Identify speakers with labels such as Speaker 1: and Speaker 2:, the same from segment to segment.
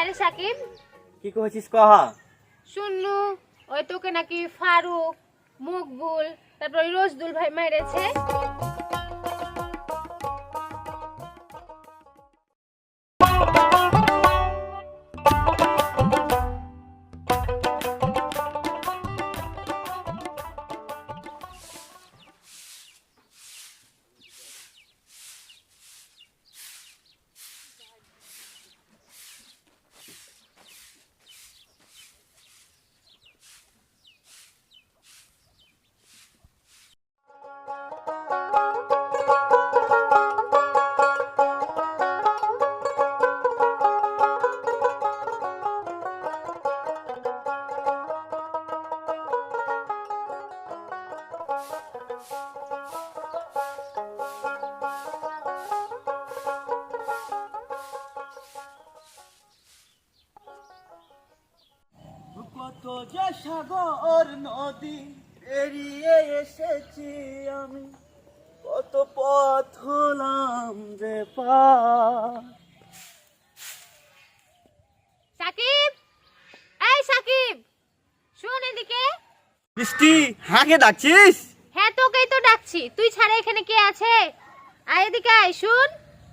Speaker 1: রে সাকিব,
Speaker 2: কি কইছিস কহা?
Speaker 1: শুনলু ওই তোকে নাকি ফারুক, মকবুল, তারপর ওই রোজদুল ভাই মেরেছে।
Speaker 2: কত যে সাগর নদী এড়িয়ে এসেছি আমি, কত পথ হলাম যে পার।
Speaker 1: সাকিব, এই সাকিব, শুন এদিকে।
Speaker 2: বৃষ্টি, হাঁকে ডাকছিস?
Speaker 1: হ্যাঁ তোকেই তো ডাকছি, তুই ছাড়া এখানে কে আছে? আয় এদিকে আয়, শুন।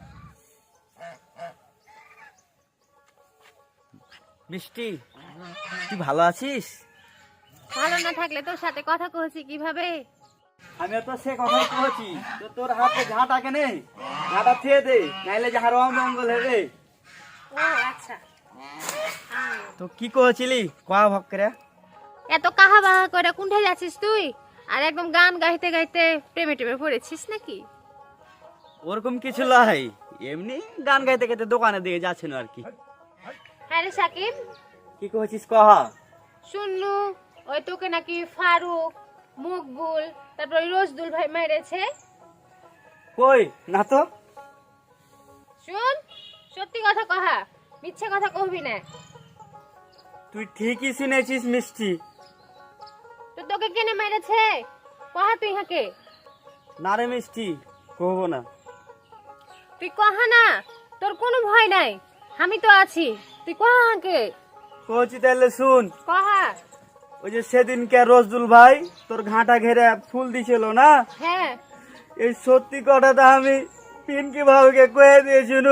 Speaker 2: বৃষ্টি, তুই ভালো আছিস?
Speaker 1: ভালো না থাকলে তোর সাথে কথা কইছি কিভাবে?
Speaker 2: আমি তো সে কথা কইছি, তো তোর হাতে ঝাঁটা কেনে, ঝাঁটা থিয়ে দে, নাইলে যাহার অমঙ্গল হবে।
Speaker 1: ও আচ্ছা।
Speaker 2: তো কি কইছিলি কয়া ভক্করে?
Speaker 1: এত কাহা বাহা করে কোনঠে যাচ্ছিস তুই? আর একদম গান গাইতে গাইতে প্রেমে টেমে পড়েছিস নাকি?
Speaker 2: ওরকম কিছু লাই, এমনি গান গাইতে গাইতে দোকানে দিয়ে যাচ্ছিল আর কি।
Speaker 1: হ্যাঁ রে সাকিব,
Speaker 2: কি কইছিস কহা?
Speaker 1: শুনলু ওই তোকে নাকি ফারুক, মকবুল, তারপর ওই রোজদুল ভাই মেরেছে।
Speaker 2: কই না তো।
Speaker 1: শুন, সত্যি কথা কহা, মিথ্যে কথা কহবি না।
Speaker 2: তুই ঠিকই শুনেছিস মিষ্টি।
Speaker 1: তো তোকে কেনে মেরেছে? কহা তুই হাকে।
Speaker 2: না রে মিষ্টি, কহবো না।
Speaker 1: তুই কহা না, তোর কোনো ভয় নাই, আমি তো আছি, তুই কহা হাকে।
Speaker 2: কইছি তাহলে শুন।
Speaker 1: কহা।
Speaker 2: ওই যে সেদিনকে রোজদুল ভাই তোর ঘাটা ঘেরে ফুল দিছিল না,
Speaker 1: হ্যাঁ।
Speaker 2: এই সত্যি কথাটা আমি পিনকি ভাবিকে কয়ে দিয়েছিল।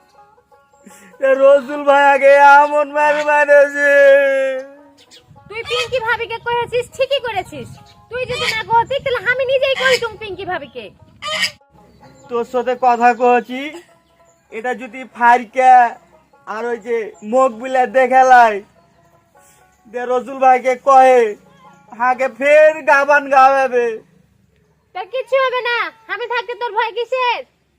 Speaker 2: রোজদুল ভাই আগে আমন মারেছে।
Speaker 1: তুই পিঙ্কি ভাবিকে করেছিস, ঠিকই করেছিস। তুই যদি না কহতি তাহলে আমি নিজেই কইতুম পিঙ্কি ভাবিকে।
Speaker 2: তোর সাথে কথা কইছি, এটা যদি ফারকা আর ওই যে মুখ বিলা দেখালাই দে রসুল ভাইকে কয়ে হাকে ফের গাবান গাওয়াবে।
Speaker 1: তোর কিচ্ছু হবে না, আমি থাকতে তোর ভয় কিসের?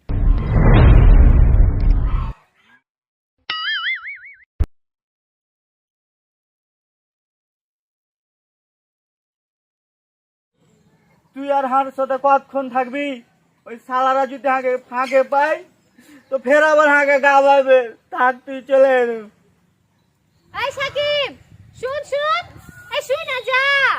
Speaker 2: তুই আর হার সাথে কতক্ষণ থাকবি? ওই সালারা যদি হাঁকে ফাঁকে পাই তো ফের আবার হাঁকে গাবাবে। থাক তুই চলে এলো।
Speaker 1: এই সাকিব, শুন শুন, এই শুন না যা।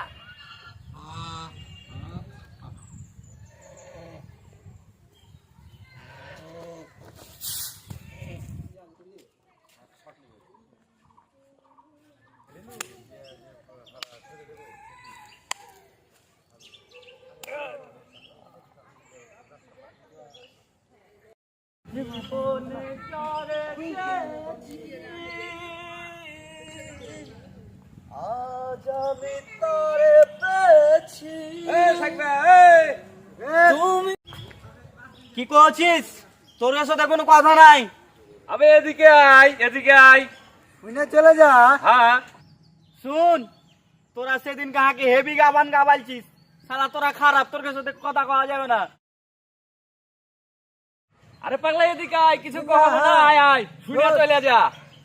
Speaker 2: আজ আমি তোরে পেয়েছি। তুমি কি করছিস? তোর সাথে কোনো কথা নাই।
Speaker 3: আবে এদিকে আয়, এদিকে আয়।
Speaker 2: শুনে চলে যা।
Speaker 3: হ্যাঁ
Speaker 2: শুন, তোরা সেদিন কাহাকে হেভি গাবান গাবাইছিস, শালা তোরা খারাপ, তোর সাথে কথা কওয়া যাবে না।
Speaker 3: আরে পাগলা এদিকে আয়, কিছু কহ না, আয় আয়, শুনে চলে যা।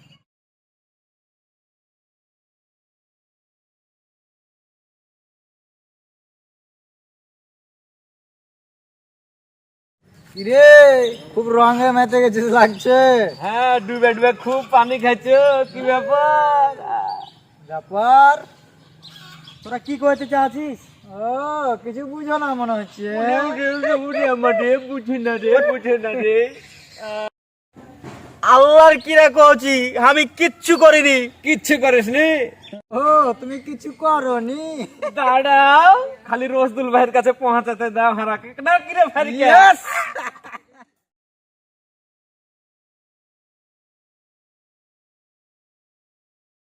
Speaker 4: কিরে খুব রঙে মেতে গেছিস লাগছে।
Speaker 3: হ্যাঁ ডুবে ডুবে খুব পানি খাইছো, কি ব্যাপার?
Speaker 4: ব্যাপার তোরা কি করতে চাচ্ছিস? ও কিছু বুঝো না মনে হচ্ছে।
Speaker 3: বুঝি না রে, বুঝে না রে।
Speaker 2: আল্লাহর কিরা কইছি আমি কিচ্ছু করিনি।
Speaker 3: কিচ্ছু করিসনি?
Speaker 4: ও তুমি কিছু করনি?
Speaker 3: দাঁড়াও, খালি রসদুল ভাইয়ের কাছে পৌঁছাতে দাও হারাকে না কিরে ফারিকা।
Speaker 4: Yes!